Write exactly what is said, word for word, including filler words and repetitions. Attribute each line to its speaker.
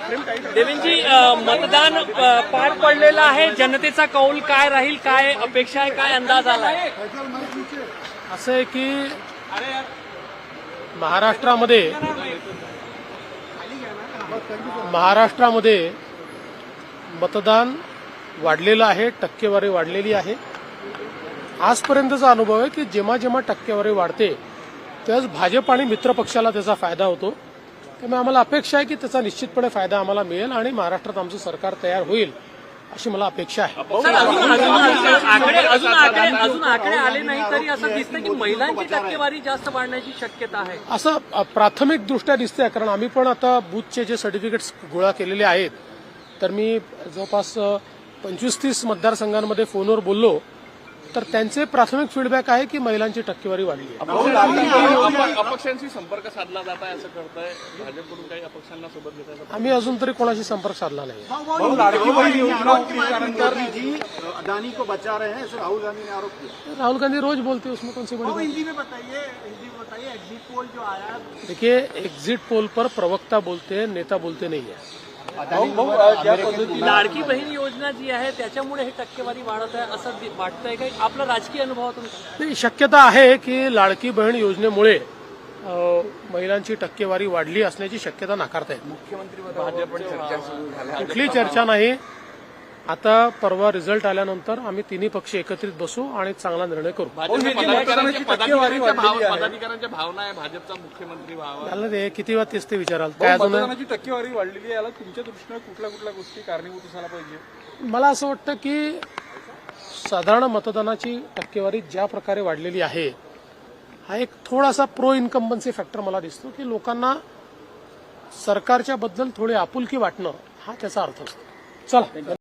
Speaker 1: देवेंजी, मतदान अ, पार पडलेलं आहे. जनतेचा कौल काय राहील, काय अपेक्षा आहे, काय अंदाज आलाय?
Speaker 2: असं आहे की महाराष्ट्रामध्ये महाराष्ट्रामध्ये मतदान वाढलेलं आहे, टक्केवारी वाढलेली आहे. आजपर्यंतचा अनुभव आहे की जेव्हा जेव्हा टक्केवारी वाढते त्याच भाजप आणि मित्र पक्षाला त्याचा फायदा होतो. त्यामुळे आम्हाला अपेक्षा आहे की त्याचा निश्चितपणे फायदा आम्हाला मिळेल आणि महाराष्ट्रात आमचं सरकार तयार होईल अशी मला अपेक्षा आहे.
Speaker 1: सर, अजून अजून आकडे अजून आकडे अजून आकडे आले नाही तरी असं दिसतं की महिलांची टक्केवारी जास्त वाढण्याची शक्यता आहे.
Speaker 2: असं प्राथमिक दृष्ट्या दिसतंय, कारण आम्ही पण आता बूथचे जे सर्टिफिकेट्स गोळा केलेले आहेत तर मी जवळपास पंचवीस तीस मतदारसंघांमध्ये फोनवर बोललो तर त्यांचे प्राथमिक फीडबॅक आहे की महिलांची टक्केवारी वाढली आहे.
Speaker 3: अपक्षांशी संपर्क साधला जात आहे असं करताय भाजपकडून, काही अपक्षांना सोबत घेताय?
Speaker 2: आम्ही अजून तरी कोणाशी संपर्क साधला नाही.
Speaker 4: अदानी को बचा रहे हैं ऐसे राहुल गांधी ने आरोप किया.
Speaker 2: राहुल गांधी रोज बोलते, उसमें कौन सी बड़ी बात?
Speaker 4: हिंदी में बताइए, हिंदी में बताइए एग्जिट पोल जो आया.
Speaker 2: देखिए, एग्जिट पोल पर प्रवक्ता बोलते हैं, नेता बोलते नहीं है.
Speaker 1: लाडकी बहीण योजना जी आहे त्याच्यामुळे हे टक्केवारी वाढत आहे असं वाटतंय का? आपला राजकीय अनुभवातून
Speaker 2: नाही, शक्यता आहे की लाडकी बहीण योजनेमुळे अ, महिलांची टक्केवारी वाढली असण्याची शक्यता नाकारता येत. कुठली चर्चा नाही. आता परवा रिझल्ट आल्यानंतर आम्ही तिन्ही पक्ष एकत्रित बसू आणि चांगला निर्णय करू.
Speaker 3: पदाधिकाऱ्यांच्या भावना आहे भाजपचा मुख्यमंत्री व्हावा.
Speaker 2: त्याला ते किती वेळा तेच ते विचाराल. काय अजून
Speaker 5: मतदानाची टक्केवारी वाढलेली आहे, याला तुमच्या दृष्टीने कुठल्या कुठल्या गोष्टी कारणीभूत असायला पाहिजे?
Speaker 2: मला असं वाटतं की साधारण मतदानाची टक्केवारी ज्या प्रकारे वाढलेली आहे हा एक थोडासा प्रो इन्कम्बन्सी फॅक्टर मला दिसतो की लोकांना सरकारच्या बद्दल थोडी आपुलकी वाटणं हा त्याचा अर्थ असतो. चला.